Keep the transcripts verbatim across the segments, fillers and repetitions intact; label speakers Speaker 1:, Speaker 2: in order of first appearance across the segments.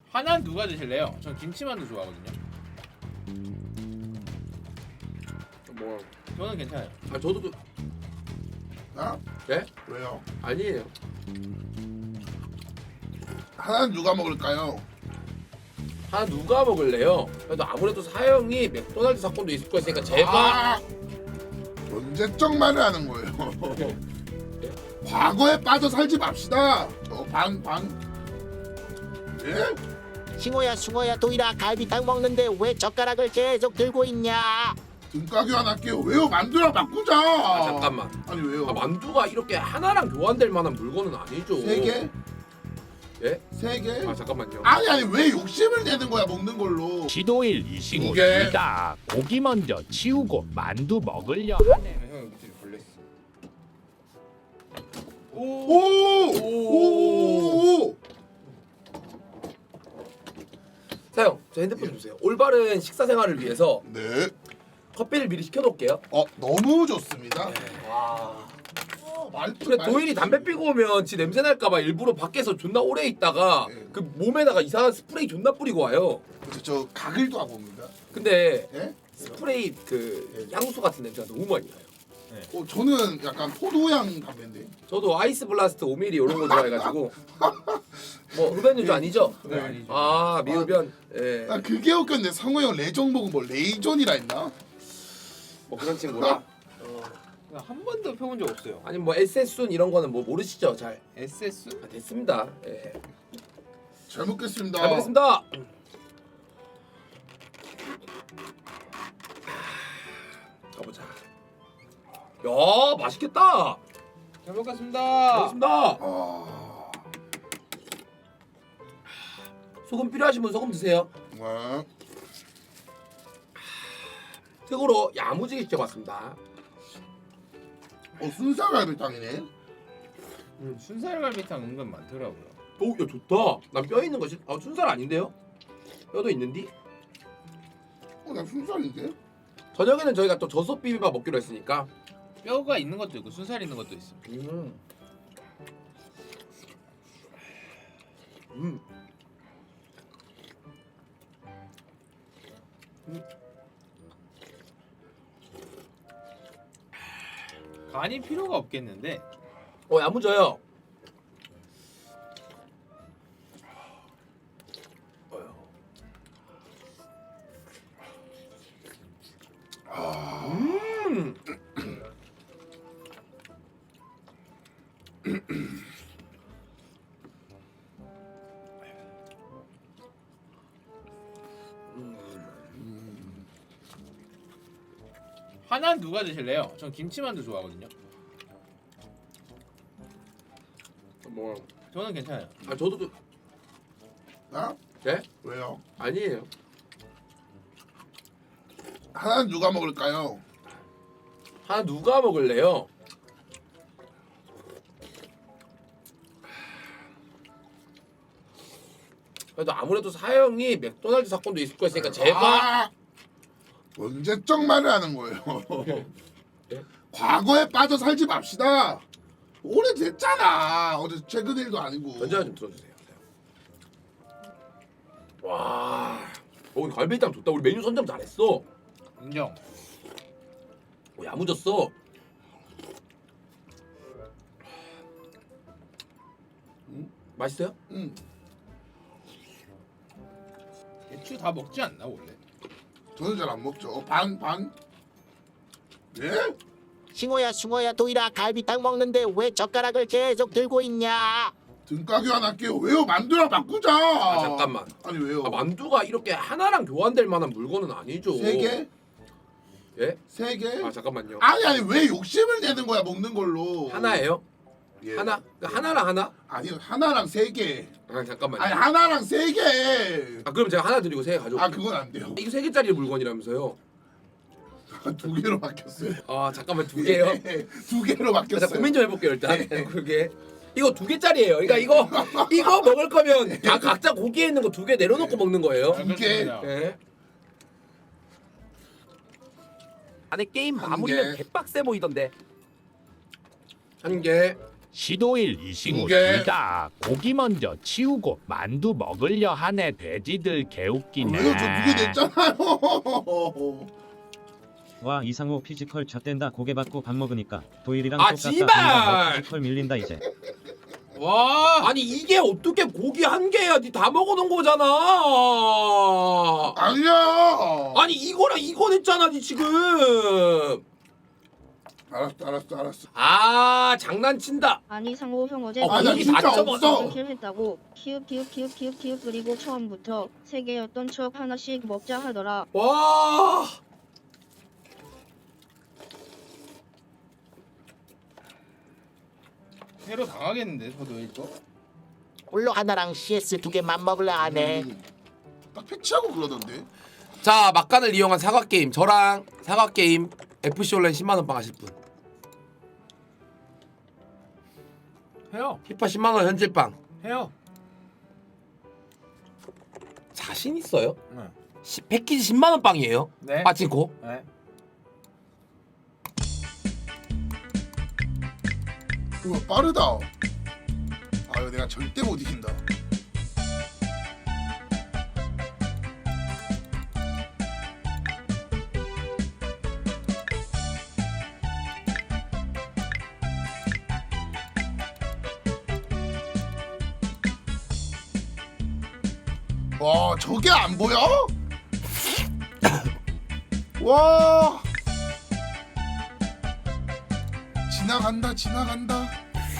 Speaker 1: 하나는 누가 드실래요? 전 김치만두 좋아하거든요.
Speaker 2: 뭐?
Speaker 1: 저는 괜찮아요.
Speaker 2: 아 저도 그...
Speaker 3: 아?
Speaker 2: 예?
Speaker 3: 왜요?
Speaker 2: 아니에요.
Speaker 3: 하나는 누가 먹을까요?
Speaker 2: 하나 누가 먹을래요? 그래도 아무래도 사형이 맥도날드 사건도 있을 거 있으니까 제가
Speaker 3: 아! 언제적 말을 하는 거예요? 과거에 빠져 살지 맙시다. 어, 반, 반. 예?
Speaker 4: 싱호야 숭어야 도이라 갈비탕 먹는데 왜 젓가락을 계속 들고 있냐?
Speaker 3: 등가 교환할게요. 왜요? 만두랑 바꾸자.
Speaker 2: 아 잠깐만.
Speaker 3: 아니 왜요?
Speaker 2: 아, 만두가 이렇게 하나랑 교환될 만한 물건은 아니죠.
Speaker 3: 세 개?
Speaker 2: 예?
Speaker 3: 세 개?
Speaker 2: 아 잠깐만요.
Speaker 3: 아니 아니 왜 욕심을 내는 거야 먹는 걸로?
Speaker 5: 지도일 이신호입니다. 고기 먼저 치우고 만두 먹으려 하네.
Speaker 1: 형 밑에 걸렸어.
Speaker 3: 오오오
Speaker 2: 사형, 저 핸드폰 주세요. 올바른 식사 생활을 위해서
Speaker 3: 네.
Speaker 2: 커피를 미리 시켜놓을게요.
Speaker 3: 어 너무 좋습니다.
Speaker 2: 와.
Speaker 3: 어, 말투,
Speaker 2: 그래
Speaker 3: 말투.
Speaker 2: 도일이 담배 피고 오면 지 냄새 날까봐 일부러 밖에서 존나 오래 있다가
Speaker 3: 네.
Speaker 2: 그 몸에다가 이상한 스프레이 존나 뿌리고 와요.
Speaker 3: 그래서 저 가글도 하고 옵니다.
Speaker 2: 근데
Speaker 3: 예?
Speaker 2: 스프레이 그 향수 같은 냄새가 너무 많이 나요.
Speaker 3: 어 저는 약간 포도향 담배인데.
Speaker 2: 저도 아이스 블라스트 오 밀리리터 이런 거 좋아해가지고 뭐 흡연유주 아니죠?
Speaker 1: 네, 아니죠.
Speaker 2: 아 미흡연. 예.
Speaker 3: 나 그게 웃겼는데 성호 형 레전 보고 뭐 레이존이라 했나?
Speaker 2: 뭐 그런 친구라.
Speaker 1: 한 번도 펴본 적 없어요.
Speaker 2: 아니 뭐 에스에스순 이런 거는 뭐 모르시죠? 잘
Speaker 1: 에스에스?
Speaker 2: 아, 됐습니다. 예.
Speaker 3: 잘 먹겠습니다.
Speaker 2: 잘 먹겠습니다. 가보자. 야 맛있겠다.
Speaker 1: 잘 먹겠습니다.
Speaker 2: 먹겠습니다.
Speaker 3: 아,
Speaker 2: 소금 필요하신 분 소금 드세요.
Speaker 3: 네.
Speaker 2: 특으로 야무지게 시켜봤습니다.
Speaker 3: 어 순살갈비탕이네.
Speaker 1: 음, 순살갈비탕 은근 많더라고요.
Speaker 2: 오, 야 좋다. 난 뼈 있는 거 진- 아, 순살 아닌데요? 뼈도 있는디?
Speaker 3: 어나 순살인데?
Speaker 2: 저녁에는 저희가 또 저속 비빔밥 먹기로 했으니까.
Speaker 1: 뼈가 있는 것도 있고 순살 있는 것도 있어.
Speaker 2: 음. 음.
Speaker 1: 간이 필요가 없겠는데.
Speaker 2: 어 야무져요. 음.
Speaker 1: 하나는 누가 드실래요? 전 김치만두 좋아하거든요.
Speaker 2: 뭐?
Speaker 1: 저는 괜찮아요.
Speaker 2: 아 저도 그...
Speaker 3: 나?
Speaker 2: 예?
Speaker 3: 왜요?
Speaker 2: 아니에요.
Speaker 3: 하나는 누가 먹을까요?
Speaker 2: 하나 누가 먹을래요? 그래도 아무래도 사형이 맥도날드 사건도 있을 거 있으니까 제가
Speaker 3: 아, 언제적 말을 하는 거예요?
Speaker 2: 예?
Speaker 3: 과거에 빠져 살지 맙시다. 오래됐잖아. 어제 최근 일도 아니고.
Speaker 2: 전자 좀 들어주세요. 와, 어, 오늘 갈비탕 좋다. 우리 메뉴 선정 잘했어.
Speaker 1: 인정.
Speaker 2: 오, 야무졌어. 음, 맛있어요?
Speaker 3: 응.
Speaker 1: 대추 다 먹지 않나 원래?
Speaker 3: 저는 잘 안 먹죠. 어, 반 반. 예?
Speaker 4: 싱호야 숭어야 도이라 갈비탕 먹는데 왜 젓가락을 계속 들고 있냐?
Speaker 3: 등가 교환할게요. 왜요? 만두랑 바꾸자.
Speaker 2: 아 잠깐만.
Speaker 3: 아니 왜요?
Speaker 2: 아, 만두가 이렇게 하나랑 교환될 만한 물건은 아니죠.
Speaker 3: 세 개?
Speaker 2: 예?
Speaker 3: 세 개?
Speaker 2: 아 잠깐만요.
Speaker 3: 아니 아니 왜 욕심을 내는 거야 먹는 걸로?
Speaker 2: 하나예요?
Speaker 3: 예.
Speaker 2: 하나? 그러니까 하나랑 하나?
Speaker 3: 아니요 하나랑 세 개.
Speaker 2: 아 잠깐만요.
Speaker 3: 아니 하나랑 세 개.
Speaker 2: 아 그럼 제가 하나 드리고 세 개 가져올게요.
Speaker 3: 아 그건 안 돼요.
Speaker 2: 이거 세 개짜리 물건이라면서요.
Speaker 3: 두 개로 바뀌었어요.
Speaker 2: 아 잠깐만 두 개요?
Speaker 3: 예, 두 개로
Speaker 2: 자,
Speaker 3: 바뀌었어요.
Speaker 2: 고민 좀 해볼게요 일단.
Speaker 3: 네.
Speaker 2: 그게 이거 두 개짜리예요. 그러니까 이거 이거 먹을 거면 다 각자 고기에 있는 거 두 개 내려놓고 먹는 거예요.
Speaker 1: 아,
Speaker 3: 두 개.
Speaker 1: 그렇습니다.
Speaker 2: 예.
Speaker 5: 안에 게임
Speaker 3: 한
Speaker 5: 마무리는
Speaker 3: 개.
Speaker 5: 개빡세 보이던데.
Speaker 2: 한 개.
Speaker 5: 시도일 이신우
Speaker 3: 두 개.
Speaker 5: 둘다 고기 먼저 치우고 만두 먹으려 하네. 돼지들 개웃기네.
Speaker 3: 왜요? 저 두개 냈잖아요.
Speaker 6: 와 이상호 피지컬 젖댄다. 고개 받고 밥 먹으니까 도일이랑
Speaker 2: 아,
Speaker 6: 똑같다.
Speaker 2: 씨발!
Speaker 6: 보니까 너 피지컬 밀린다 이제.
Speaker 1: 와.
Speaker 2: 아니 이게 어떻게 고기 한 개야? 니 다 먹어놓은 거잖아.
Speaker 3: 아니야.
Speaker 2: 아니 이거랑 이거 냈잖아 니 지금.
Speaker 3: 알았어, 알았어, 알았어.
Speaker 2: 아 장난친다.
Speaker 7: 아니 상호 형 어제
Speaker 2: 어,
Speaker 3: 아, 나
Speaker 2: 고기
Speaker 3: 진짜
Speaker 2: 다 접어.
Speaker 3: 없어.
Speaker 7: 킬 했다고 키읔 키읔 키읔 키읔 키읔 그리고 처음부터 세 개였던 척 하나씩 먹자 하더라.
Speaker 2: 와.
Speaker 1: 회로 당하겠는데 저도 이거.
Speaker 4: 홀로 하나랑 씨에스 두 개만 먹으려 하네.
Speaker 3: 음, 딱 패치하고 그러던데.
Speaker 2: 자 막간을 이용한 사과 게임. 저랑 사과 게임 에프씨 온라인 십만 원 빵 하실 분.
Speaker 1: 해요.
Speaker 2: 피파 십만 원 현질 빵.
Speaker 1: 해요.
Speaker 2: 자신 있어요?
Speaker 1: 네.
Speaker 2: 시, 패키지 십만 원 빵이에요.
Speaker 1: 네.
Speaker 2: 빠친코.
Speaker 1: 네.
Speaker 3: 우와, 빠르다. 아유, 내가 절대 못 이긴다. 와, 저게 안 보여? 와. 지나간다, 지나간다.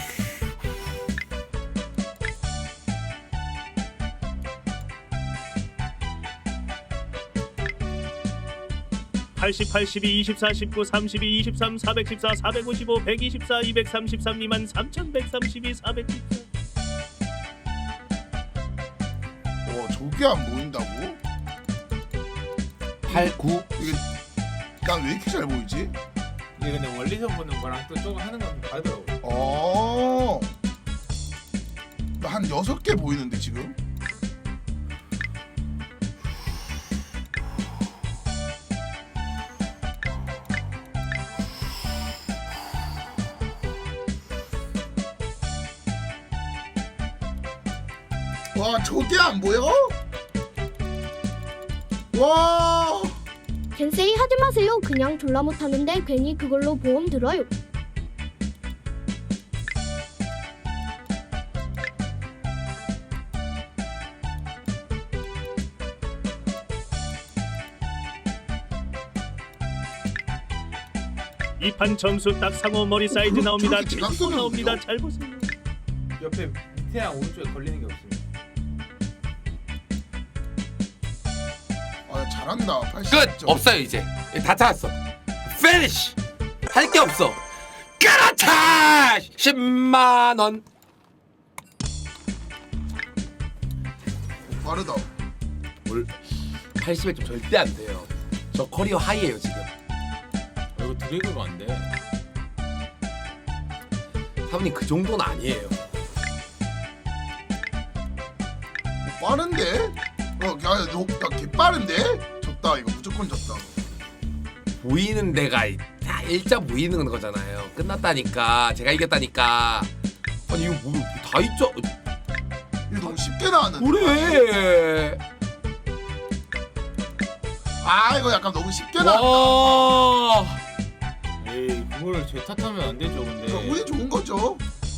Speaker 8: 팔십, 팔십이, 이십사, 십구, 삼십이, 이십삼, 사백십사, 사백오십오, 백이십사, 이백삼십삼, 이만 삼천백삼십이, 사백십사.
Speaker 3: 와, 저게 안 보인다고?
Speaker 2: 팔, 구.
Speaker 3: 이게 난 왜 이렇게 잘 보이지?
Speaker 1: 이게 근데 멀리서 보는 거랑 또 조금 하는 거랑 다르더라고요.
Speaker 3: 어. 나 한 여섯 개 보이는데 지금. 와, 저게 안 보여? 와.
Speaker 9: 겐세이 하지 마세요. 그냥 졸라 못하는데 괜히 그걸로 보험 들어요.
Speaker 8: 이 판 점수 딱 상호 머리 사이즈 나옵니다.
Speaker 3: 저렇게
Speaker 8: 칠십
Speaker 3: 지각성이
Speaker 8: 나옵니다.
Speaker 3: 없네요.
Speaker 8: 잘 보세요.
Speaker 1: 옆에 밑에랑 오른쪽에 걸리는 게 없습니다.
Speaker 3: 아, 잘한다. 팔십
Speaker 2: 끝.
Speaker 3: 점.
Speaker 2: 없어요 이제. 다 찾았어. 피니쉬. 할 게 없어. 그렇다. 십만 원.
Speaker 3: 빠르다.
Speaker 2: 뭘 팔십 점 절대 안 돼요. 저 커리어 하이예요 지금.
Speaker 1: 어, 이거 두 개가 안 돼.
Speaker 2: 사부님 그 정도는 아니에요.
Speaker 3: 어, 빠른데? 어, 야, 너, 야, 개 빠른데? 졌다. 이거 무조건 졌다.
Speaker 2: 보이는 데가 다 일자 보이는 거잖아요. 끝났다니까. 제가 이겼다니까. 아니 이거 뭐다 있죠?
Speaker 3: 이거 너무 쉽게 나왔는데.
Speaker 2: 그래.
Speaker 3: 아, 이거 약간 너무 쉽게 나왔다.
Speaker 2: 와.
Speaker 1: 에이 그걸 제 탓하면 안 되죠. 근데
Speaker 3: 이거 운이 좋은 거죠.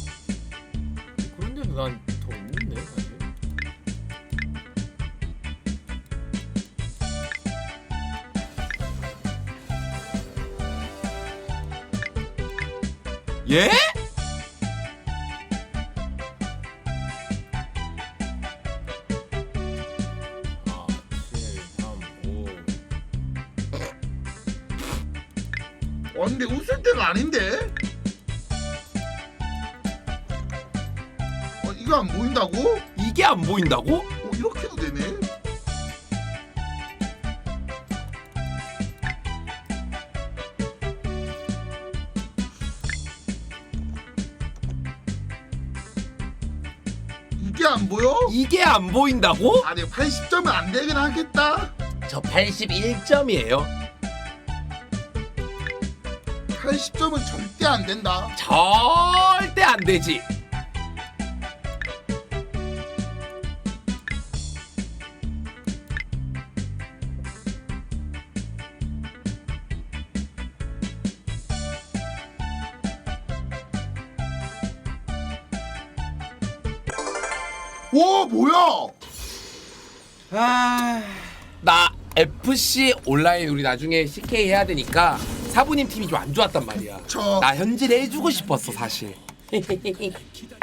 Speaker 1: 그런데도 난 더 없는데 사실.
Speaker 2: 예?
Speaker 1: 아, 칠, 삼, 오.
Speaker 3: 와, 근데 웃을 때가 아닌데? 어, 이거 안 보인다고?
Speaker 2: 이게 안 보인다고?
Speaker 3: 어, 이렇게도 되네? 이게 안 보여?
Speaker 2: 이게 안 보인다고?
Speaker 3: 아니, 팔십 점은 안 되긴 하겠다.
Speaker 2: 저 팔십일 점이에요.
Speaker 3: 약간 십 점은 절대 안 된다.
Speaker 2: 절대 안 되지.
Speaker 3: 와 뭐야?
Speaker 2: 아, 나 에프씨 온라인 우리 나중에 씨케이 해야 되니까 사부님 팀이 좀 안 좋았단 말이야.
Speaker 3: 저
Speaker 2: 나 현질 해주고 싶었어 사실.